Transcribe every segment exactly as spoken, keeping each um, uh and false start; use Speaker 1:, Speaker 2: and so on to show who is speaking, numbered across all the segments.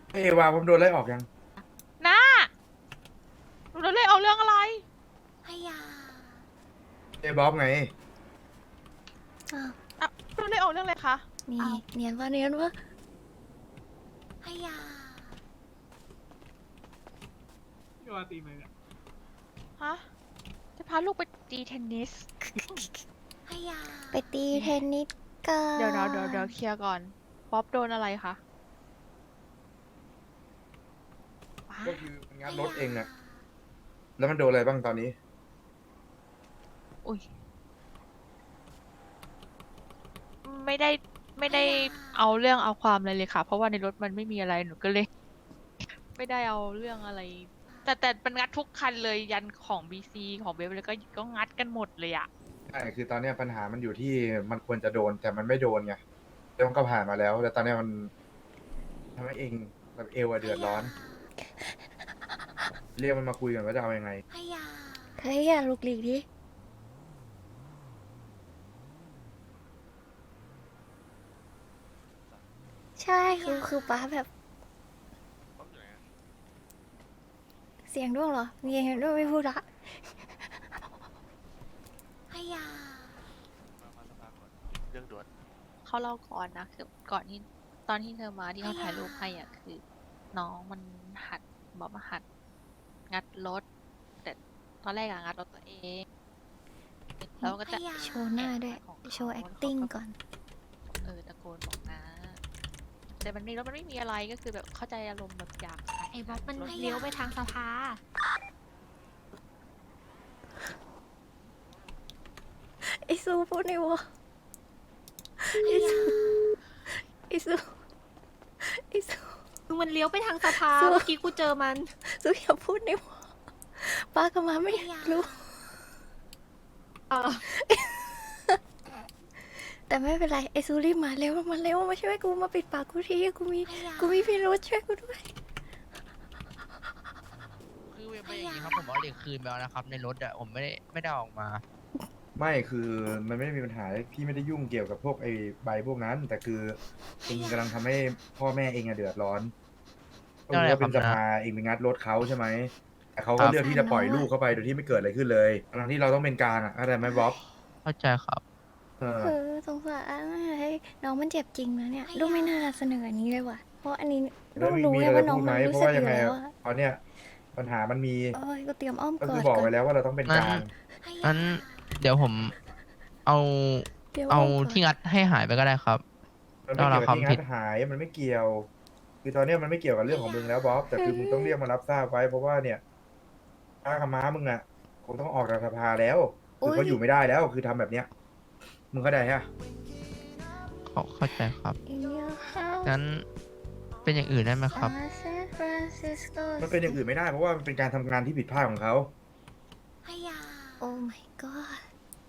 Speaker 1: เอวาผมโดนไล่ออกยัง
Speaker 2: น้าหนูโดนเรียกเอาเรื่องอะไร
Speaker 3: พยา
Speaker 1: เอบ๊อบไง
Speaker 3: อ้าว
Speaker 2: อ่ะโดนเรียกเอาเรื่องอะไรคะ
Speaker 3: นี่
Speaker 2: อ้าว
Speaker 3: เนียนวะเนียนวะพยา
Speaker 4: พี่ว่าตีไหมเนี่ย
Speaker 2: ฮะจะพาลูกไปตีเทนนิส
Speaker 3: พยาไปตีเทนนิสกัน
Speaker 2: เดี๋ยวเดี๋ยวเดี๋ยวเดี๋ยวเคลียร์ก่อนป๊อปโดนอะไรคะว้า
Speaker 1: ก็คือมันงัดรถเองน่ะแล้วมันโดนอะไรบ้างตอนนี้
Speaker 2: อุ้ยไม่ได้ไม่ได้เอาเรื่องเอาความอะไรเลยค่ะ เพราะว่าในรถมันไม่มีอะไรหนูก็เลย ไม่ได้เอาเรื่องอะไร แต่แต่มันงัดทุกคันเลยยันของบีซีของเบฟเลยก็ก็งัดกันหมดเลยอะ
Speaker 1: ใช่คือตอนเนี้ยปัญหามันอยู่ที่มันควรจะโดนแต่มันไม่โดนไงแล้วมันก็ผ่านมาแล้วแต่ตอนเนี้ยมันทำให้เองแบบเอวอะเดือดร้อน เรียกมันมาคุยกันว่าจะเอายังไง
Speaker 3: พยาเฮ้ยอย่าลุกลีกดิใช่คือคือป้าแบบ เสียงด้วงเหรอมีเสียงด้วงไม่พูดละพยา
Speaker 5: เรื่องด่วน
Speaker 2: เขาเล่าก่อนนะคือก่อนที่ตอนที่เธอมาที่เขาถ่ายรูปให้อ่ะคือ น้องมันหัดบอกมาหัด งัดรถ แต่ตอนแรกอะงัดรถตัวเอง แล้วก็จะ
Speaker 3: โชว์หน้าด้วย
Speaker 2: ของเขา
Speaker 3: โชว์ acting ก่อน
Speaker 2: เออตะโกนบอกนะ แต่มันในรถมันไม่มีอะไรก็คือแบบเข้าใจอารมณ์แบบอยากถ่าย
Speaker 6: ไอ้บ๊อบมัน
Speaker 2: รถ
Speaker 6: เลี้ยวไปทางสภา
Speaker 3: ไอซูพูดในวะไอซูไอซูไอซู
Speaker 6: คือมันเลี้ยวไปทางสภา
Speaker 3: สู้
Speaker 6: เมื่อกี้กูเจอมัน
Speaker 3: ซูอย่าพูดในวะป้ากับมาไม่อยากรู้
Speaker 6: เออ
Speaker 3: แต่ไม่เป็นไรไอซูรีบมาเร็วมาเร็วมาช่วยกูมาปิดปากกูทีกูมีกูมีพี่รุธช่วยกูด้วย
Speaker 7: คือเว็บไม่อย่างนี้ครับผมเอาเหล็กคืนไปแล้วนะครับในรถอะผมไม่ได้ไม่ได้เอาออกมา
Speaker 1: ไม่คือมันไม่ได้มีปัญหาพี่ไม่ได้ยุ่งเกี่ยวกับพวกไอ้ใบพวกนั้น แต่คือเองกำลังทำให้พ่อแม่เองอะเดือดร้อนก็คือว่าเป็นสภาเองไปงัดรถเขาใช่ไหมแต่เขาก็เลือกที่จะปล่อยลูกเข้าไปโดยที่ไม่เกิดอะไรขึ้นเลยทั้งที่เราต้องเป็นกลางอะเข้าใจไหมบ๊อบ
Speaker 7: เข้าใจครับ
Speaker 1: เออ
Speaker 3: เออสงสารเฮ้ยน้องมันเจ็บจริงนะเนี่ยลูกไม่น่าเสนออันนี้เลยว่ะเพราะอันนี้ลู
Speaker 1: แล้ว
Speaker 3: ก
Speaker 1: มี
Speaker 3: รู้
Speaker 1: มี
Speaker 3: ไง
Speaker 1: อะไร
Speaker 3: ว่า
Speaker 1: จะ
Speaker 3: น้อ
Speaker 1: พู
Speaker 3: ง
Speaker 1: ดไห
Speaker 3: มั
Speaker 1: ม
Speaker 3: น
Speaker 1: เพ
Speaker 3: รู้
Speaker 1: ราะ
Speaker 3: สึก
Speaker 1: ว่า
Speaker 3: อ
Speaker 1: ยัง
Speaker 3: ยู่
Speaker 1: ไง
Speaker 3: แล้ว
Speaker 1: อะ
Speaker 3: อะ
Speaker 1: ตอนเนี้ยปัญหามันมี
Speaker 3: เอ้ยก็เตรียมอ้อม
Speaker 1: ก็
Speaker 3: กอ
Speaker 1: คือ
Speaker 3: ด
Speaker 1: บอก
Speaker 3: ก่
Speaker 1: ไว้
Speaker 3: อน
Speaker 1: แล้วว่าเราต้องเป็นก
Speaker 7: งั้น
Speaker 1: ลาง
Speaker 7: งั้นเดี๋ยวผมเอา
Speaker 3: เตรียม
Speaker 7: เอา
Speaker 3: อ้อมกอด
Speaker 7: ที่งัดให้หายไปก็ได้ครับ
Speaker 1: มันไม่
Speaker 7: เรา
Speaker 1: เกี่ยวกับ
Speaker 7: เรา
Speaker 1: ที่
Speaker 7: ความผิ
Speaker 1: งั
Speaker 7: ด
Speaker 1: ดหายมันไม่เกี่ยว คือตอนเนี้ยมันไม่เกี่ยวกับเรื่องของมึงแล้วบ๊อบแต่คือมึงต้องเรียกมารับทราบไว้เพราะว่าเนี่ยป้ากับม้ามึงอะคงต้องออกจากสภาแล้วคือเขาอยู่ไม่ได้แล้วคือทำแบบเนี้ยมึงเข้าใจฮะ
Speaker 7: เขาเข้าใจครับ
Speaker 3: In your house
Speaker 7: งั้นเป็นอย่างอื่นได้ไหมครับ
Speaker 3: San Francisco
Speaker 1: มันเป็นอย่างอื่นไม่ได้เพราะว่ามันเป็นการทำงานที่ผิดพลาดของเขา
Speaker 3: พยา Oh my god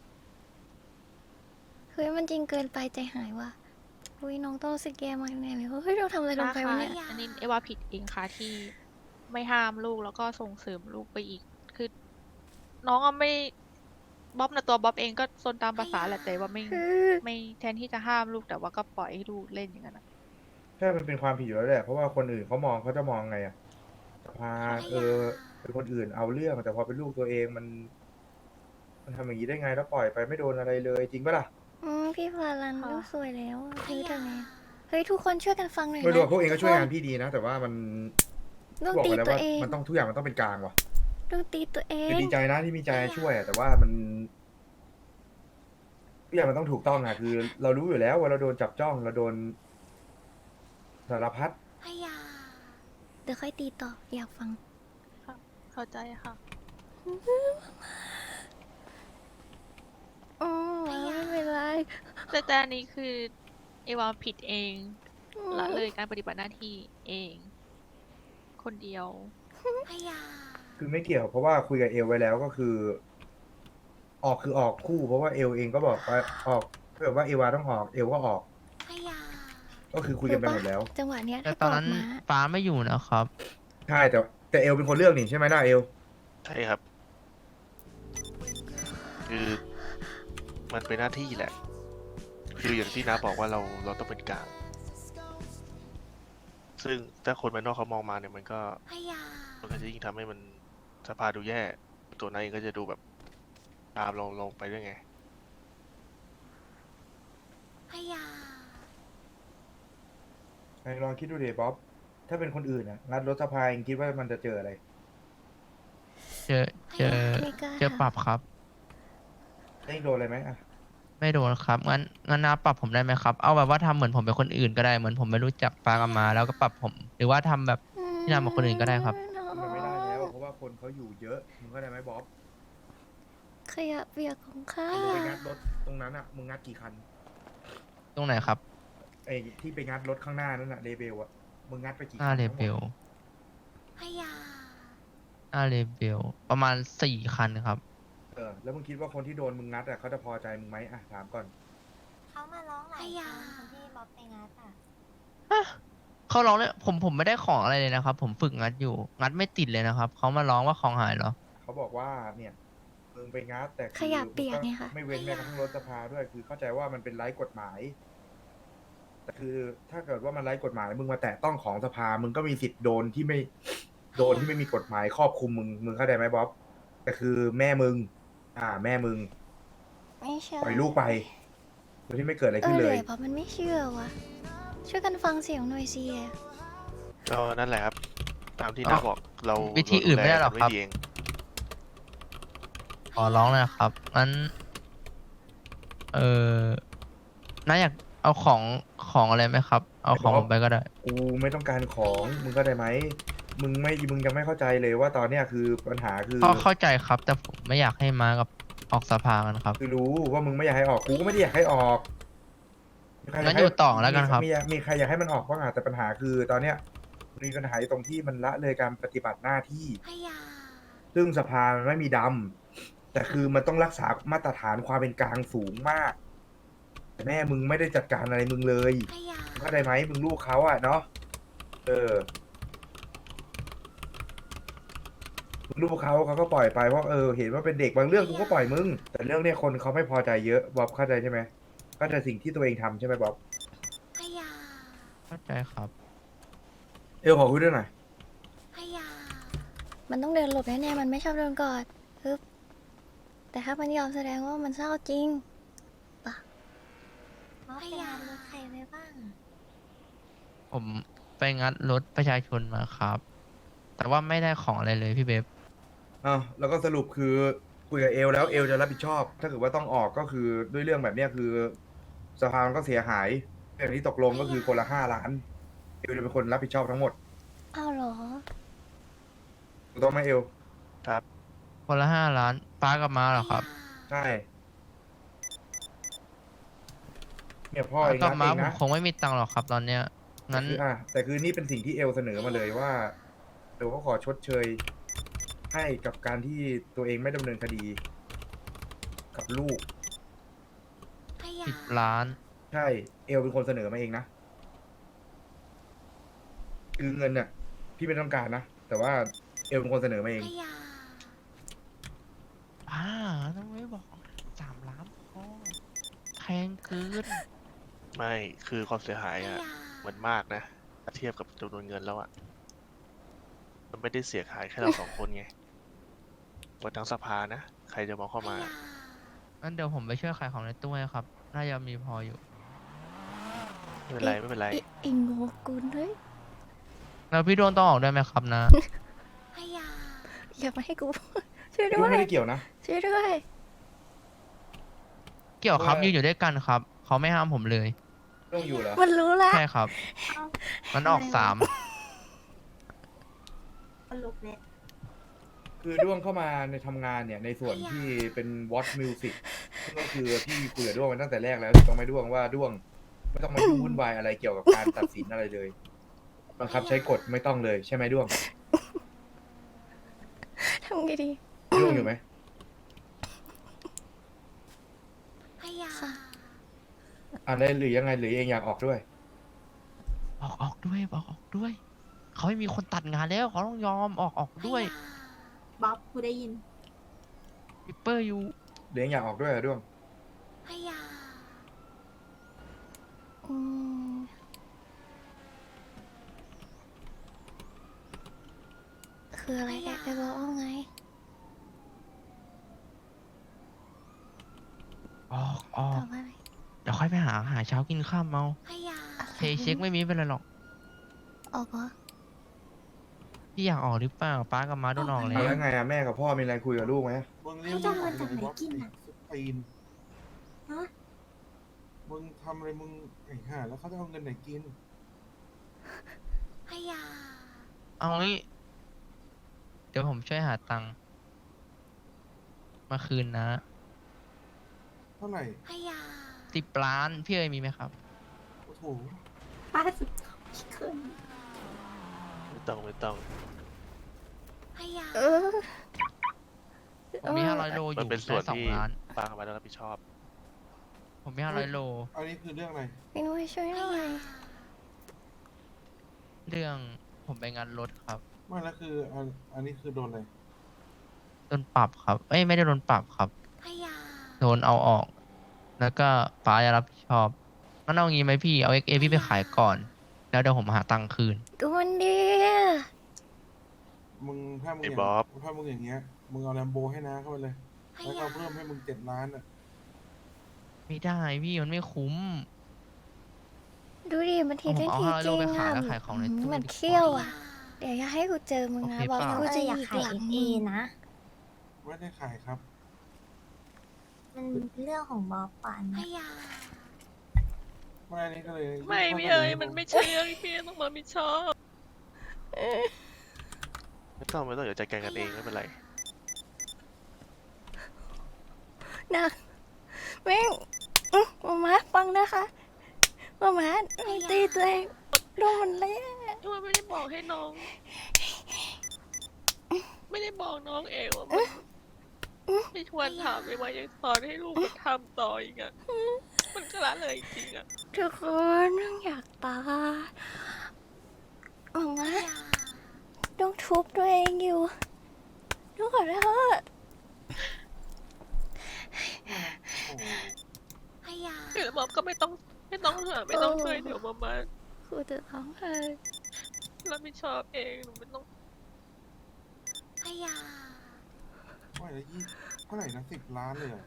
Speaker 3: เฮ้ยมันจริงเกินไปใจหายว่ะอุ้ยน้องต้องรู้สึกแย่มากแน่เลยเฮ้ยเราทำอะไรลง
Speaker 2: นะ
Speaker 3: ไป
Speaker 2: คะ
Speaker 3: วะเนี่ย
Speaker 2: อันนี้เอวาผิดเองค่ะที่ไม่ห้ามลูกแล้วก็ส่งเสริมลูกไปอีก คือ น้องอะไม่บ๊อบนะตัวบ๊อบเองก็ซนตามภาษาแหละแต่ว่าไม่ไม่แทนที่จะห้ามลูกแต่ว่าก็ปล่อยให้ลูกเล่นอย่างนั้นอะ
Speaker 1: ใช่มันเป็นความผิดอยู่แล้วแหละเพราะว่าคนอื่นเขามองเขาจะมองไงอะพาเออเป็นคนอื่นเอาเรื่องแต่พอเป็นลูกตัวเองมัน มันทำอย่างนี้ได้ไงแล้วปล่อยไปไม่โดนอะไรเลยจริงปะล่ะ
Speaker 3: อืมพี่ฟาลัน
Speaker 2: ค่ะ
Speaker 3: ลูกสวยแล้วอะเฮ้ยทำไงเฮ้ยทุกคนช่วยกันฟังหน่อย
Speaker 1: ไม่รู้
Speaker 3: นะ
Speaker 1: อะพวกเองก็ช่วยงานพี่ดีนะ แต่ว่ามัน
Speaker 3: ต้อง
Speaker 1: บอก
Speaker 3: ตี
Speaker 1: ไปแล้ว
Speaker 3: ตัว
Speaker 1: ว่า
Speaker 3: เอง
Speaker 1: มันต้องทุกอย่างมันต้องเป็นกลางว่ะ
Speaker 3: ต้องตีตัวเอ
Speaker 1: คือง ดีใจนะที่มีใจช่วยอะแต่ว่ามันทุกอย่างมันต้องถูกต้องอะคือ เรารู้อยู่แล้วว่าเราโดนจับจ้องเราโดนสารพัด
Speaker 3: พยาเดี๋ยวค่อยตีต่ออยากฟัง
Speaker 2: ค่ะเข้าใจค่ะ
Speaker 3: อ๋อไม่เป็นไร
Speaker 2: แต่แต่อันนี้คือเอวาผิดเองละเลยการปฏิบัติหน้าที่เอง คนเดียว
Speaker 3: พยา
Speaker 1: คือไม่เกี่ยวเพราะว่าคุยกับเอลไว้แล้วก็คือ ออกคือออกคู่ เพราะว่าเอลเองก็บอกว่าออกถ้าเกิดว่าเอวาต้องออกเอลก็ออก
Speaker 3: พยา
Speaker 1: ก็คือคุยกันไปหมดแล้ว
Speaker 3: จังหวะเนี้ย
Speaker 7: แต่
Speaker 3: ถ้า
Speaker 7: ต
Speaker 3: ก
Speaker 7: อน
Speaker 3: อด
Speaker 7: นั้น
Speaker 3: ม้า
Speaker 7: ฟ้าไม่อยู่นะครับ
Speaker 1: ใช่แต่แต่เอลเป็นคนเลือกนี่ใช่ไหมล่ะเอล
Speaker 5: ใช่ครับ คือมันเป็นหน้าที่แหละ คืออย่างที่น้าบอกว่าเราเราต้องเป็นกลางซึ่งถ้าคนภายนอกเขามองมาเนี่ยมันก็มันก็จะยิ่งทำให้มันสภาดูแย่ ตัวนายเองก็จะดูแบบตามเราลงไปด้วยไง
Speaker 1: ไอ้ลองคิดดูดิบ๊อบ ถ้าเป็นคนอื่นอ่ะงัดรถสภาเองคิดว่ามันจะเจออะไร
Speaker 7: เจอเจอ
Speaker 3: ไม่กล้า
Speaker 7: เจอปรับครับ
Speaker 1: เองโดนอะไรไหมอ่ะ
Speaker 7: ไม่โดนครับ งั้นงั้นนาปรับผมได้ไหมครับ เอาแบบว่าทำเหมือนผมเป็นคนอื่นก็ได้ เหมือนผมไม่รู้จักปากับมา แล้วก็ปรับผม หรือว่าทำแบบ ที่ทำกับคนอื่นก็ได้ครับ
Speaker 1: มันไม่ได้แล้วเพราะว่าคนเขาอยู่เยอะ มึงเข้าใจไหมบ๊อบ
Speaker 3: ขยะเปียกของข้า
Speaker 1: มึงไปงัดรถตรงนั้นอ่ะ มึงงัดกี่คัน
Speaker 7: ตรงไหนครับ
Speaker 1: ไอ้ที่ไปงัดรถข้างหน้านั่นน่ะเรเบลอ่ะ มึงงัดไปกี่
Speaker 7: หน้า
Speaker 1: คัน
Speaker 7: เล
Speaker 1: ทั้งหม
Speaker 7: เบ
Speaker 1: ด
Speaker 7: ลหน้าเลเบลประมาณสี่คันครับ
Speaker 1: เออ แล้วมึงคิดว่าคนที่โดนมึงงัดอ่ะเขาจะพอใจมึงไหมอ่ะถามก่อน
Speaker 8: เขามาร้องหลายครั้งคนที่บ๊อบไปงัดอ่ะ
Speaker 7: เขาร้องเลยผมผมไม่ได้ของอะไรเลยนะครับ ผมฝึกงัดอยู่ งัดไม่ติดเลยนะครับ เขามาร้องว่าของหายเหรอ
Speaker 1: เขาบอกว่าเนี่ยมึงไปงัดแต่คือ
Speaker 3: ขยะเปียกไงคะ
Speaker 1: ไม่เว้นแม้กระทั่งรถสภาด้วย คือเข้าใจว่ามันเป็นไร้กฎหมาย แต่คือถ้าเกิดว่ามันไร้กฎหมาย มึงมาแตะต้องของสภา มึงก็มีสิทธิ์โดนที่ไม่โดนที่ไม่มีกฎหมายครอบคลุมมึง มึงเข้าใจไหมบ๊อบ แต่คือแม่มึง อ่า แม่มึง
Speaker 3: ไม่เชื่อ
Speaker 1: ปล่อยลูกไปโดยที่ไม่เกิดอะไร
Speaker 3: เอ
Speaker 1: ขึ้
Speaker 3: อน
Speaker 1: เล
Speaker 3: เลย ยเพราะมันไม่เชื่อวะช่วยกันฟังเสียงหน่อยสิ
Speaker 5: ก็นั่นแหละครับ ตามที่
Speaker 7: เอ้า
Speaker 5: น้าบอกเรา
Speaker 7: วิธีอื่นไม่ได้หรอ
Speaker 5: เา
Speaker 7: ครับ
Speaker 5: ดูแลกันว้ดีเอง
Speaker 7: ขอร้องเลยนะครับ งั้น เออน้าอยากเอาของของอะไรไหมครับ เอาของผมไปก็ได้
Speaker 1: กูไม่ต้องการของ มึงเข้าใจไหม มึงไม่ มึงยังไม่เข้าใจเลยว่าตอนเนี้ยคือปัญหาคือ
Speaker 7: เข้าเข้าใจครับ แต่ผมไม่อยากให้มากับออกสภากันครับ
Speaker 1: คือรู้ว่ามึงไม่อยากให้ออก กูก็ไม่ได้อยากให้ออกมีใคร
Speaker 7: งั้นอยู่ต่อแล้วกันครับ
Speaker 1: มีมีใครอยากให้มันออกบ้างอะแต่ปัญหาคือตอนเนี้ยมีปัญหาอยู่ตรงที่มันละเลยการปฏิบัติหน้าที่ ซึ่งสภามันไม่มีดำแต่คือมันต้องรักษามาตรฐานความเป็นกลางสูงมาก แต่แม่มึงไม่ได้จัดการอะไรมึงเลยเข้าใจไหมมึงลูกเขาอะเนาะเออมึงลูกเขาเขาก็ปล่อยไปเพราะเออเห็นว่าเป็นเด็กบางเรื่องกูก็ปล่อยมึง แต่เรื่องเนี้ยคนเขาไม่พอใจเยอะบ๊อบเข้าใจใช่ไหมเข้าใจสิ่งที่ตัวเองทำใช่ไหมบ๊อบ
Speaker 7: เข้าใจครับ
Speaker 1: เอลขอคุยด้วยหน่อย
Speaker 3: มันต้องเดินหลบแน่ๆมันไม่ชอบเดินกอดฮึบแต่ถ้ามันยอมแสดงว่ามันเศร้าจริง
Speaker 8: บ๊อบไปงานรถใครไว้บ้าง
Speaker 7: ผมไปงัดรถประชาชนมาครับ แต่ว่าไม่ได้ของอะไรเลยพี่เบฟ
Speaker 1: อ้าวแล้วก็สรุปคือคุยกับเอลแล้วเอลจะรับผิดชอบ ถ้าเกิดว่าต้องออกก็คือด้วยเรื่องแบบเนี้ยคือสภามันก็เสียหายอย่างที่ตกลงก็คือคนละห้าล้านเอลจะเป็นคนรับผิดชอบทั้งหมด
Speaker 3: อ้าวเหรอ
Speaker 1: ถูกต้องไหมเอล
Speaker 5: ครับ
Speaker 7: คนละห้าล้านป้ากับมาเหรอครับ
Speaker 1: ใช่เนี่ยพ่อ
Speaker 7: ป้า
Speaker 1: เอง
Speaker 7: กับ
Speaker 1: นะ
Speaker 7: มา
Speaker 1: เอง
Speaker 7: ผม
Speaker 1: นะ
Speaker 7: คงไม่มีตังค์หรอกครับ ตอนเนี้ย งั้น
Speaker 1: คืออ่ะแต่คือนี่เป็นสิ่งที่เอลเสนอมาเลยว่าเอลเขาขอชดเชย ให้กับการที่ตัวเองไม่ดำเนินคดี กับลูก
Speaker 7: สิบล้าน
Speaker 1: ใช่เอลเป็นคนเสนอมาเองนะคือเงินเนี่ยพี่ไม่ต้องการนะแต่ว่าเอลเป็นคนเสนอมาเอง
Speaker 7: อ่าต้องไม่บอกสามล้านพอแพงเกิน
Speaker 5: ไม่คือความเสียหายอะมันมากนะถ้าเทียบกับจำนวนเงินแล้วอะมันไม่ได้เสียหายแค่เราสองคนไงวันทั้งสภานะ ใครจะมองเข้ามา
Speaker 7: งั้นเดี๋ยวผมไปช่วยขายของในตู้ให้ครับ น่าจะมีพออยู่
Speaker 5: ไม่เป็นไรไม่เป็นไร
Speaker 3: ไอ้ไอ้โงกุลเฮ้ย
Speaker 7: แล้วพี่โดนต้องออกด้วยไหมครับนะ
Speaker 3: อย่ามาให้กู ช่วย
Speaker 1: ลู
Speaker 3: ด้
Speaker 1: ก
Speaker 3: วย
Speaker 1: ไม่ได้เกี่ยวนะ
Speaker 3: ช่วยด้วย
Speaker 7: เกี่ยวครับ
Speaker 1: ว่า
Speaker 7: ยืนอยู่ด้วยกันครับ เขาไม่ห้ามผมเลย
Speaker 1: ต้องอยู่เหรอ
Speaker 3: มันรู้แล้ว
Speaker 7: ใช่ครับ มันออกสาม
Speaker 8: ลุกเลย
Speaker 1: คือด้วงเข้ามาในทำงานเนี่ยในส่วนที่เป็น Watch Music ซึ่งก็คือพี่คุยกับด้วงมาตั้งแต่แรกแล้วถูกต้องไหมด้วงว่าด้วงไม่ต้องมายุ่งวุ่นวายอะไรเกี่ยวกับการตัดสินอะไรเลยบังคับใช้กฎไม่ต้องเลยใช่ไหมด้วง
Speaker 3: ทำไงดี
Speaker 1: ด้วงอยู่ไหม
Speaker 3: ค่ะ
Speaker 1: อ่าได้หรือยังไงหรือเองอยากออกด้วย
Speaker 7: ออกออกด้วยออกออกด้วย เขาไม่มีคนตัดงานแล้ว เขาต้องยอมออกออกด้วย
Speaker 8: บ๊อบกูได้ยิน
Speaker 7: ปิปเปอร์อยู่
Speaker 1: หรือเองอยากออกด้วยเหรอด้วง
Speaker 3: อืมคืออะไรแกไปบอกว่าไง
Speaker 7: ออกออ
Speaker 3: ตอก บว่าอะไร
Speaker 7: เดี๋ยวค่อยไปหาหาเช้ากินข้ามเอา
Speaker 8: พยา
Speaker 7: เพย์เช็คไม่มีเป็นไรหรอก
Speaker 3: ออกเหรอ
Speaker 7: พี่อยากออกหรือเปล่าป้ากับม้าโดนออกแล้
Speaker 1: เอา
Speaker 7: ว
Speaker 1: แล้วไงอะแม่กับพ่อมีอะไรคุยกับลูกไหม
Speaker 9: มึงเรียก
Speaker 8: เขาจะเอาเงินจากไหนกิน
Speaker 9: ไอ้
Speaker 8: อ่ะ
Speaker 9: สุดตีน
Speaker 8: ฮะ
Speaker 9: มึงทำอะไรมึงไอ้ห่าแล้วเขาจะเอาเงินไหนกิน
Speaker 8: พยา
Speaker 7: เอางี้เดี๋ยวผมช่วยหาตังค์มาคืนนะ
Speaker 9: เท่าไหร่
Speaker 8: พยา
Speaker 7: สิบล้านพี่เอ๋ยมีไหมครับ
Speaker 9: โอ้โห
Speaker 8: ป้าสุดพี่เคย
Speaker 5: ไม่ต้องไม่ต้อง
Speaker 8: พยา
Speaker 3: เออ
Speaker 7: ผมมีห้าร้อยโลอ
Speaker 5: มัน
Speaker 7: ยู่
Speaker 5: เป็นส่วน
Speaker 7: ได้สอง
Speaker 5: ที่
Speaker 7: ล้าน
Speaker 5: ป้ากับม้าต้องรับผิดชอบ
Speaker 7: ผมมีห้าร้อยโล
Speaker 9: อันนี้คือเรื่องอะไร
Speaker 3: พี่นุ้ยช่วยหน่อย
Speaker 7: เรื่องผมไปงานรถครับ
Speaker 9: ไม่แล้วคืออันอันนี้คือโดนอะไร
Speaker 7: โดนปรับครับ เอ้ยไม่ได้โดนปรับครับ
Speaker 8: พยา
Speaker 7: โดนเอาออก แล้วก็ป้าจะรับผิดชอบงั้นเอางี้ไหมพี่ เอาเอ็กเอพี่ไปขายก่อน แล้วเดี๋ยวผมหาตังค์คืน
Speaker 3: ดูมันดี
Speaker 9: มึงถ้ามึง
Speaker 5: ไอ้
Speaker 9: อย่าง
Speaker 5: บ๊อบ
Speaker 9: ถ้ามึงอย่างเงี้ย มึงเอาแลมโบให้น้าเข้าไปเลย
Speaker 8: พ
Speaker 9: แล้วก็
Speaker 8: ยา
Speaker 9: เพิ่มให้มึงเจ็ดล้านอ่ะ
Speaker 7: ไม่ได้พี่มันไม่คุ้ม
Speaker 3: ดูดิมันทีเล่น
Speaker 7: เอา
Speaker 3: ที
Speaker 7: ห้าร้อย
Speaker 3: จ
Speaker 7: โล
Speaker 3: ริง
Speaker 7: ไปขาย
Speaker 3: อ่ะ
Speaker 7: แล้วขายของในตู้
Speaker 3: มัน
Speaker 7: ดีกว่า
Speaker 3: เขี้ยวอ่ะ เดี๋ยวอย่าให้กูเจอมึงนะ
Speaker 7: โอเค
Speaker 3: บอก
Speaker 7: เปล่า
Speaker 3: กูจะ
Speaker 8: อยาก
Speaker 3: อีก
Speaker 8: ขาย
Speaker 3: หลัง
Speaker 8: เอนะ
Speaker 9: ไม่ได้ขายครับ
Speaker 8: มันเรื่องของบอสปันพยา
Speaker 9: ไม่อันนี้ก็เลย
Speaker 2: ไม่พี่เอ๋ยมันไม่ใช่เรื่องที่พี่ต้องมารับผิดชอบ
Speaker 5: ไม่ต้องไม่ต้องเดี๋ยวจัดการกันเองไม่เป็นไร
Speaker 3: นะแม่งอื้อมามาฟังนะคะมามามันตีตัวเองดูมันเละ
Speaker 2: ทำไมไม่ได้บอกให้น้อง ไม่ได้บอกน้องเองว่ามันไม่ชวนถามไปว่ายังสอนให้ลูกมันทำต่ออีกอะมันก็ละเลยจริงอะ
Speaker 3: ทุกคนอยากตายมามาต้องทุบตัวเองอยู่ต้องขอโทษ
Speaker 9: โอ้โห
Speaker 8: พยา
Speaker 2: คือบ๊อบก็ไม่ต้องไม่ต้องหาไม่ต้องช่วยเดี๋ยวมามา
Speaker 3: กูจะร้องไห้
Speaker 2: รับผิดชอบเองหนูไม่ต้อง
Speaker 8: พยา
Speaker 9: ไม่แล้วยี่เท่าไหร่นะสิบล้านเลยเหรอ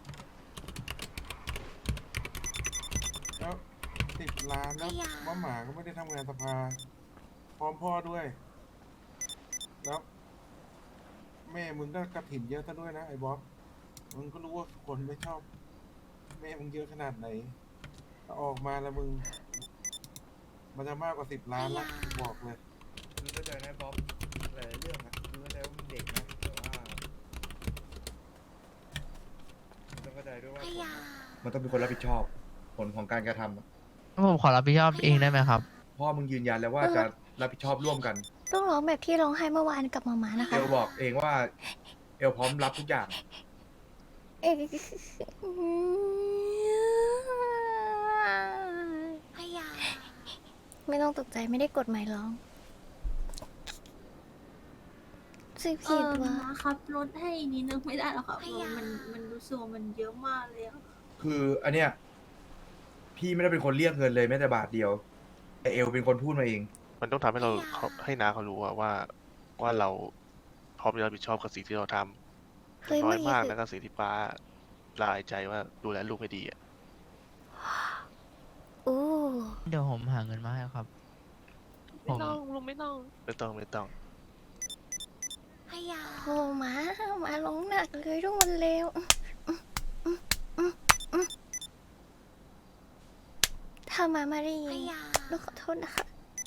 Speaker 9: แล้วสิบล้านแล้วว่าหมาก็ไม่ได้ทำงานสภา พร้อมพ่อด้วย แล้ว แม่มึงก็กระถิ่นเยอะซะด้วยนะไอ้บ๊อบ มึงก็รู้ว่าคนไม่ชอบ แม่มึงเยอะขนาดไหนถ้าออกมาแล้วมึง มันจะมากกว่าสิบล้านละกูบอกเลย
Speaker 1: คือเข้าใจนะบ๊อบหลายๆเรื่องนะคือเข้าใจว่ามึงเด็กนะแต่ว่าต้องเข้าใจด้วยว่า
Speaker 8: พยา
Speaker 1: มันต้องเป็นคนรับผิดชอบ ผลของการกระทำอะ
Speaker 7: ผมขอรับผิดชอบเองได้ไหมครับ
Speaker 1: พ่อมึงยืนยันแล้วว่าจะรับผิดชอบร่วมกัน
Speaker 3: ต้องร้องแบบที่ร้องไห้เมื่อวานกับมามานะ
Speaker 1: เอ
Speaker 3: คะ
Speaker 1: ลบอกเองว่า เอลพร้อมรับทุกอย่าง
Speaker 3: เอ๊ะ
Speaker 8: พยา
Speaker 3: ไม่ต้องตกใจไม่ได้กดหมายร้องสิบ
Speaker 6: เอ
Speaker 3: ผิด
Speaker 6: อ
Speaker 3: วะ
Speaker 6: นะครับลดให้นิดนึงไม่ได้หรอครับมันมันรู้สึกว่ามันเยอะมากเลยอะ
Speaker 1: คืออันเนี้ยพี่ไม่ได้เป็นคนเรียกเงินเลยแม้แต่บาทเดียว แต่เอลเป็นคนพูดมาเอง
Speaker 5: มันต้องทำให้เราเขาให้น้าเขารู้อะว่าว่าเราพร้อมจะรับผิดชอบกับสิ่งที่เราทำ
Speaker 3: เฮ้ย
Speaker 5: น้อย
Speaker 3: เมื่อกี้
Speaker 5: มาก
Speaker 3: คือ
Speaker 5: นะกับสิ่งที่ป้าละอายใจว่าดูแลลูกไม่ดีอะ
Speaker 3: โอ้
Speaker 7: เดี๋ยวผมหาเงินมาให้ครับ ผ
Speaker 2: ไม่
Speaker 7: ม
Speaker 2: ต้องลุงไม่ต้อง
Speaker 5: ไม่ต้องไม่ต้อง
Speaker 8: พยา
Speaker 3: โหมามาร้องหนักเลยทุกคนเร็วถ้ามาไม่ได้
Speaker 8: พ
Speaker 3: ยิน
Speaker 8: ยา
Speaker 3: ลูกขอโทษนะคะ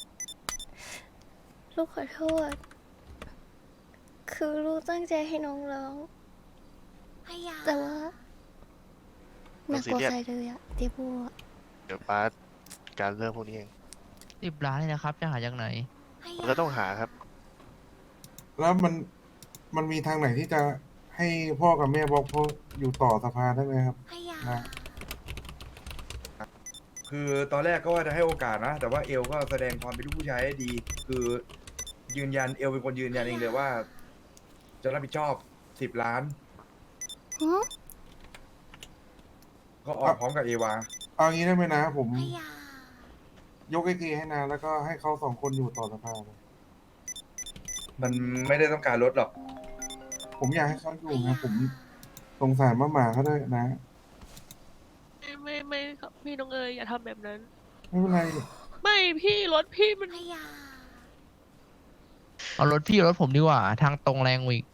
Speaker 3: ลูกขอโทษ คือลูกตั้งใจให้น้องร้อง
Speaker 8: พยา
Speaker 3: แต่ว่าหนักกว่าใครเลยอะเดี๋ยวบัว
Speaker 5: เดี๋ยวป้าการเรื่องพวกนี้เอง
Speaker 7: สิบล้านเลยนะครับ จะหาจากไหน
Speaker 8: พ
Speaker 5: มัน
Speaker 8: ยา
Speaker 5: ก็ต้องหาครับ
Speaker 9: แล้วมัน มันมีทางไหนที่จะให้พ่อกับแม่บอกพ่ออยู่ต่อสภาได้ไหมครับ
Speaker 8: พยา
Speaker 9: นะ
Speaker 1: คือตอนแรกก็ว่าจะให้โอกาสนะ แต่ว่าเอลก็แสดงความเป็นลูกผู้ชายได้ดี คือยืนยันเอลเป็นคนยืนยันเองเลยว่า จะรับผิดชอบสิบล้าน
Speaker 3: หือ
Speaker 1: ก็ออกพร้อมกับเอวา
Speaker 9: เอางี้ได้ไหมนะ ผม
Speaker 8: พยา
Speaker 9: ยกไอทีให้นาแล้วก็ให้เขาสองคนอยู่ต่อสภาเลย
Speaker 1: มันไม่ได้ต้องการลดหรอก
Speaker 9: ผมอยากให้เขาอยู่นะผมสงสารมาหมาเขาด้วยนะ
Speaker 2: ไม่ไม่ไม่ครับพี่น้องเอ๋ยอย่าทำแบบนั้น
Speaker 9: ไม่เป็นไร
Speaker 2: ไม่พี่รถพี่มัน
Speaker 8: พยา
Speaker 7: เอารถพี่รถผมดีกว่า ทางตรงแรงกว่าอีก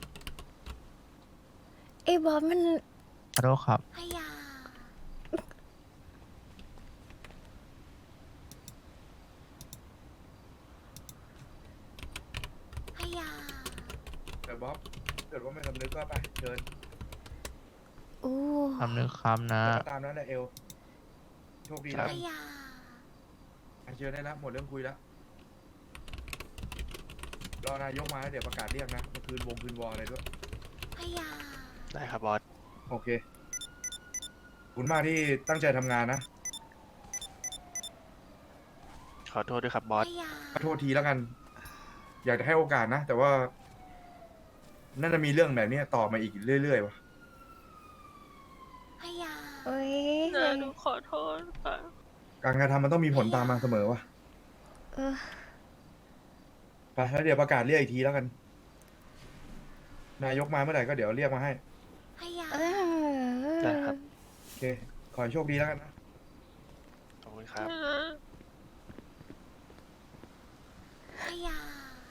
Speaker 3: ไอ้บ๊อบมัน
Speaker 7: ขอโทษครับ
Speaker 8: พยาพยา
Speaker 1: แต่บ๊อบเกิดว่าไม่สำนึกก็ไปเชิญ
Speaker 3: อู้
Speaker 7: ทำนึกคำนะ
Speaker 1: ก็ตามนั้นแหละเอลโชคดีแล้ว
Speaker 8: พ
Speaker 1: กัน
Speaker 8: ยา
Speaker 1: ไปเชิญได้แล้วหมดเรื่องคุยแล้วรอนายกมาแล้วเดี๋ยวประกาศเรียกนะเมื่อคืนวงคืนวออะไรด้วย
Speaker 8: พยา
Speaker 5: ได้ครับบอส
Speaker 1: โอเคขอบคุณมากที่ตั้งใจทำงานนะ
Speaker 5: ขอโทษด้วยครับบอ
Speaker 8: พ
Speaker 5: ส
Speaker 8: ยา
Speaker 1: ขอโทษทีแล้วกัน อยากจะให้โอกาสนะ แต่ว่าน่าจะมีเรื่องแบบนี้ต่อมาอีกเรื่อยๆว่ะ
Speaker 8: พยา
Speaker 3: เอ้ย
Speaker 2: นะหนูขอโทษค่ะ
Speaker 1: การกระทำมันต้องมีผลตามมาเสมอว่ะ
Speaker 3: เออ
Speaker 1: ไปแล้วเดี๋ยวประกาศเรียกอีกทีแล้วกัน นายกมาเมื่อไหร่ก็เดี๋ยวเรียกมาให้
Speaker 8: พยา
Speaker 3: เออ
Speaker 5: ได้ครับ
Speaker 1: โอเค ขอให้โชคดีแล้วกันนะ
Speaker 5: ขอบคุณครับ
Speaker 8: พยา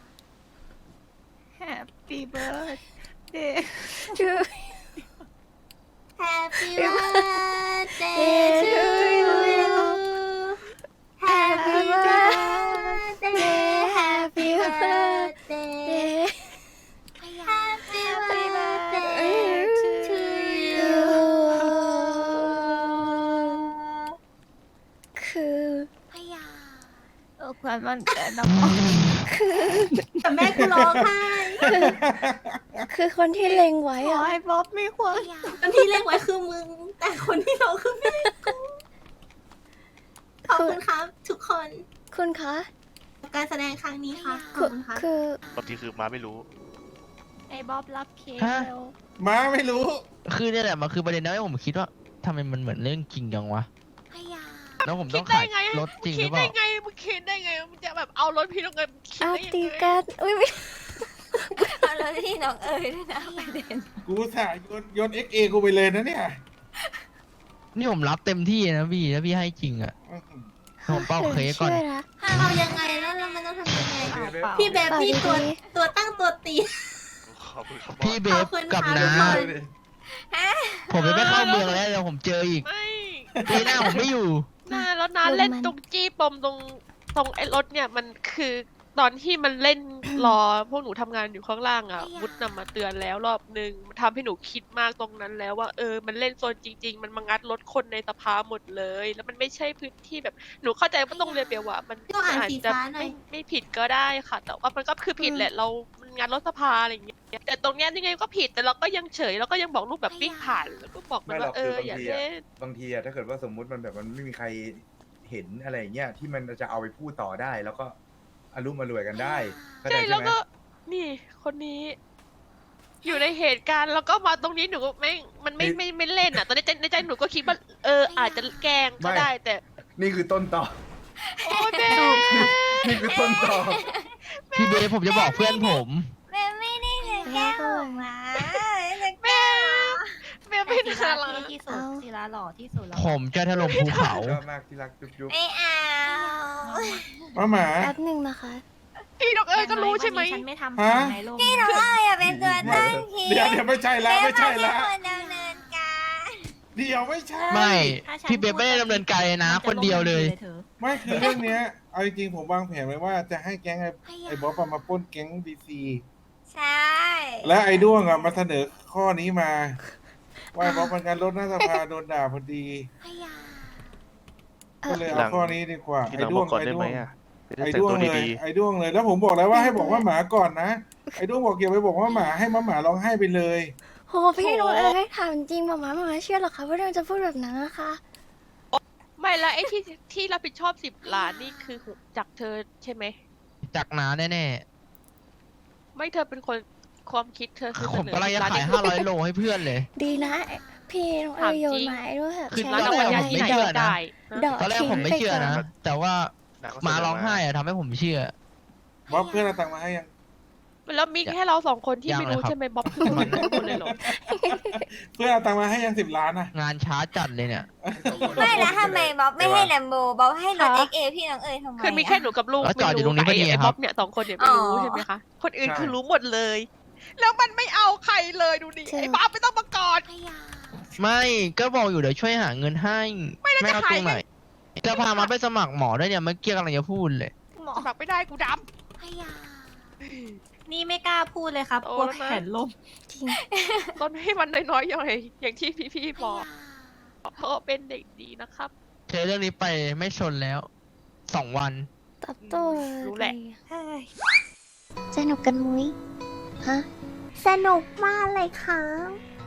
Speaker 3: Happy birthday to
Speaker 8: Happy birthday to you Happy birthday Happy birthday Happy birthday to you
Speaker 3: คือ
Speaker 8: พยา
Speaker 3: เออความมันเกิดน้ำคือ
Speaker 6: แต่แม่กูร้องไห้
Speaker 3: คือคนที่เล็งไว้อะให้บ๊อบมีความ
Speaker 8: พยา
Speaker 6: คนที่เล่นไว้คือมึง แต่คนที่ร้องคือแม่กูขอบคุณครับ ทุกคน
Speaker 3: คุณคะ
Speaker 6: การแสดงครั้งนี้ค่ะข
Speaker 3: คือ
Speaker 6: อบคุณครับ
Speaker 3: คือ
Speaker 5: บางทีคือมาไม่รู้
Speaker 3: ไอ้บ๊อบรับเค้ก
Speaker 7: ฮะ
Speaker 3: เร็ว
Speaker 9: ม้าไม่รู้
Speaker 7: คือเนี่ยแหละมันคือประเด็นนะที่ผมคิดว่าทำไมมันเหมือนเรื่องจริงจังวะ
Speaker 8: พยา
Speaker 7: แล้วผม
Speaker 2: คิ
Speaker 7: ต้
Speaker 2: ด
Speaker 7: อง
Speaker 2: ได้
Speaker 7: ขาย
Speaker 2: ไง
Speaker 7: รถจริงห
Speaker 2: คิ
Speaker 7: รื
Speaker 2: ด
Speaker 7: อเป
Speaker 2: ได้
Speaker 7: ล่า
Speaker 2: ไงมึงคิดได้ไงมึงจะแบบเอารถพี่น้องเอ๋ยมึงคิด
Speaker 3: เอา
Speaker 2: ได้ยัง
Speaker 3: ตี
Speaker 2: ไง
Speaker 3: กันอุ้ยไม่เอาแล้วที่น้องเอ๋ยด้วยนะประเด็น
Speaker 9: กูสายโยนโยนเอ็กเอกูไปเลยนะเนี่ย
Speaker 7: นี่ผมรับเต็มที่นะพี่ถ้าพี่ให้จริงอ่ะ
Speaker 9: อื้อหือ
Speaker 7: ผมเป้าเค้กก่อน
Speaker 3: ชื่นะ
Speaker 6: ถ้าเอายังไงแล้วเรามันต้องทำยังไง
Speaker 1: เบฟ
Speaker 6: พี่แบบนี่ตัว
Speaker 3: ดี
Speaker 6: ตัวตั้งตัวตี
Speaker 5: ขอบคุณครับบอ
Speaker 7: พี่
Speaker 5: ส
Speaker 7: เบ
Speaker 6: ขอ
Speaker 7: ฟ
Speaker 6: บคุณ
Speaker 7: กับ
Speaker 6: ค่ะ
Speaker 7: น้า
Speaker 6: ทุกคน
Speaker 7: ผมจะไม่เข้าเมืองแล้วเดี๋ยวผมเจออีก
Speaker 2: ไม่
Speaker 7: ปีหน้าผมไม่อยู่
Speaker 2: น่าแล้วนะเล่นตรงจี้ปมตรงตรงไอ้รถเนี่ยมันคือตอนที่มันเล่นรอพวกหนูทำงานอยู่ข้างล่างอ่ะวุฒนำมาเตือนแล้วรอบนึงมันทำให้หนูคิดมากตรงนั้นแล้วว่าเออมันเล่นโซนจริง ๆ มันมางัดรถคนในสภาหมดเลย แล้วมันไม่ใช่พื้นที่แบบหนูเข้าใจว่าต้องเรียนเปียว่ามัน
Speaker 6: ต้องอ่าน
Speaker 2: อาจ
Speaker 6: สี
Speaker 2: จะ
Speaker 6: ฟ้าหน่อ
Speaker 2: ไม่
Speaker 6: ย
Speaker 2: ไม่ผิดก็ได้ค่ะ แต่ว่ามันก็คือผิดแหละเรามันงัดรถสภาอะไรอย่างเงี้ยแต่ตรงเนี้ยยังไงก็ผิดแต่เราก็ยังเฉยเราก็ยังบอกลูกแบบวิ่งผ่านแล้วก็บอกมัน
Speaker 1: ไม่หรอ
Speaker 2: ว่าก เอ
Speaker 1: คือ
Speaker 2: อบ
Speaker 1: าง
Speaker 2: อย่า
Speaker 1: ที
Speaker 2: เล่
Speaker 1: อะ
Speaker 2: น
Speaker 1: บางทีอะถ้าเกิดว่าสมมุติมันแบบมันไม่มีใครเห็นอะไรอย่างเงี้ยที่มันจะเอาไปพูดต่อได้ แล้วก็อารมณ์มารวยกันได้เข้าใจ
Speaker 2: ใช่
Speaker 1: ใช่
Speaker 2: แล้ว
Speaker 1: ไหม
Speaker 2: ก็นี่คนนี้ อยู่ในเหตุการณ์แล้วก็มาตรงนี้หนูก็ไม่มันไม่ไม่ไม่เล่นอ่ะตอนในใจในใจหนูก็คิดว่าเอออาจจะแกล้งก็ได้แต่
Speaker 1: นี่คือต้นต่อ
Speaker 2: โอ้เบ
Speaker 1: นี่คือต้นต่อ
Speaker 7: พี่เบฟผมจะบอกเพื่อนผม
Speaker 8: แม่ไม่ได้จะแก้ผมมา
Speaker 2: แม่แม่ไม่น่ารัก
Speaker 8: ที่สุดศิลาหล่อที่สุดแล้ว
Speaker 7: ผมจะถล่มภูเขา
Speaker 1: ชอบมากที่รักจุ๊บจุ๊บ
Speaker 8: ไม่เอา
Speaker 9: มาหมา
Speaker 3: แป๊บหนึ่งนะคะ
Speaker 2: พี่ดอกเอ้ยก็รู้ใช่ไหม
Speaker 8: ฉันไม่ทำ
Speaker 9: ฮะ
Speaker 8: ในโลกพี่น้องเอ้ยเป็นตัวตั้งที
Speaker 9: เดี๋ยวเดี๋ยวไม่ใช่ละไม่ใช่ละ
Speaker 8: คนดำเนินการ
Speaker 9: เดี๋ยวไม่ใช่
Speaker 7: ไม่ พี่เบฟไม่ได้ดำเนินการเลยนะ คนเดียวเลย
Speaker 9: ไม่คือเรื่องเนี้ย เอาจริงๆผมวางแผนไว้ว่าจะให้แก๊งไอ้ไอ้บ๊อบอะมาปล้นแก๊งดีซี
Speaker 8: ใช่
Speaker 9: และไอ้ด้วงอะมาเสนอข้อนี้มา ว่าไอ้บ๊อบเป็นการลดหน้าสภาโดนด่าพอดี
Speaker 8: พยา
Speaker 9: ก็เลยเอาข้อนี้ดีกว่า
Speaker 5: ที่
Speaker 9: ไอ้
Speaker 5: เรา
Speaker 9: ด้
Speaker 5: บ
Speaker 9: ว
Speaker 5: อง กก่อน
Speaker 9: ไอ้
Speaker 5: ได้
Speaker 9: ด้
Speaker 5: ไห
Speaker 9: ว
Speaker 5: ม
Speaker 9: ง
Speaker 5: อ่ะจะได้
Speaker 9: ไอ้
Speaker 5: แต่ง
Speaker 9: ด้วง
Speaker 5: ตัว
Speaker 9: เลย
Speaker 5: ดี
Speaker 9: ไอ้ด้วงเลย แล้วผมบอกแล้วว่าให้บอกว่าหมาก่อนนะ ไอ้ด้วงบอกอย่าไปบอกว่าหมาให้มาหมาร้องไห้ไปเลย
Speaker 3: โหพี่น้องเอ๋ยถามจริงหมามาหมาเชื่อเหรอคะว่าเราจะพูดแบบนั้นนะคะ
Speaker 2: ไม่แล้วไอ้ที่ที่รับผิดชอบสิบล้านนี่คือจากเธอใช่ไหม
Speaker 7: จากน้าแน่
Speaker 2: ไม่เธอเป็นคนความคิดเธอคือ
Speaker 7: ๆ
Speaker 2: เส
Speaker 7: ผม
Speaker 2: นอ
Speaker 7: ก็เลยจะ
Speaker 2: ร้าน
Speaker 7: ขาย
Speaker 2: นี้
Speaker 7: ห้าร้อยโลให้เพื่อนเลย
Speaker 3: ดีนะ พี่น้องเอ๋ยโยนไม้ด้วยแบบ
Speaker 7: คือ
Speaker 3: ใช้
Speaker 2: แล้ว
Speaker 7: ตอนแร
Speaker 2: เรา
Speaker 7: ก
Speaker 2: คน
Speaker 7: ผม
Speaker 2: ที่
Speaker 7: ไม่
Speaker 2: ไหน
Speaker 7: เชื่อนะ
Speaker 2: จ่าย
Speaker 3: ดอก
Speaker 7: ตอนแรกผมไม่เชื่อนะ แต่ว่า
Speaker 5: ๆ
Speaker 7: มาร้องไห้อะทำให้ผมเชื่อ
Speaker 9: บ๊อบเพื่อนเอาตังค์มาให้ยัง
Speaker 2: แล้วมีแค่เราสองคนที่
Speaker 7: ยัง
Speaker 2: ไม่
Speaker 7: เลย
Speaker 2: รู้
Speaker 7: ครับ
Speaker 2: ใช่ไหมบ๊อบคือคนรู้หมดเลยเหรอ
Speaker 9: เพื่อนเอาตังค์มาให้ยังสิบล้านนะ
Speaker 7: งานช้าจัดเลยเนี่ย
Speaker 8: ไม่แล้วทำไมบ๊อบไม่ให้แลมโบบ๊อบให้รถ
Speaker 2: คะ
Speaker 8: เอ็กเอพี่น้องเอ๋ยทำไม
Speaker 2: คือมีแค่หนูกับลูก
Speaker 7: แล้วจอดอยู่ตรงนี้
Speaker 2: ไม่
Speaker 7: พอดี
Speaker 2: ไอ้
Speaker 7: ครับ
Speaker 2: บ๊อบเนี่ยสองคนเนี่ยไม่รู้
Speaker 8: อ๋อ
Speaker 2: ใช่ไหมคะ คนอื่น
Speaker 1: ใช่
Speaker 2: คือรู้หมดเลย แล้วมันไม่เอาใครเลยดูดิ
Speaker 3: ใช่
Speaker 2: ไอ้บ๊อบไม่ต้องมากอด
Speaker 8: พยา
Speaker 7: ไม่ก็บอกอยู่เดี๋ยวช่วยหาเงินให้
Speaker 2: ไม่แล้วจะ
Speaker 7: เอา
Speaker 2: ขาย
Speaker 7: ตรงไหน
Speaker 2: ไง
Speaker 7: จะพามาไปสมัครหมอด้วยเนี่ยเมื่อกี้กำลังจะพูดเลย
Speaker 8: หมอ
Speaker 2: สมัครไม่ได้กูด
Speaker 8: พยา
Speaker 6: นี่ไม่กล้าพูดเลยครับ
Speaker 2: โอ้
Speaker 6: กลัว
Speaker 2: แล้วนะ
Speaker 6: แผ่นล่ม
Speaker 3: จริง
Speaker 2: ำต้นให้มันน้อยๆหน่อยอย่างที่พี่ๆบอกเพราะเป็นเด็กดีนะครับ
Speaker 7: เจอเรื่องนี้ไปไม่ชนแล้วสองวัน
Speaker 3: ตอบโต้
Speaker 2: รู้แหละ
Speaker 8: เฮ้ย
Speaker 3: สนุกกันมุ้ยฮะ
Speaker 8: สนุกมากเลยครับ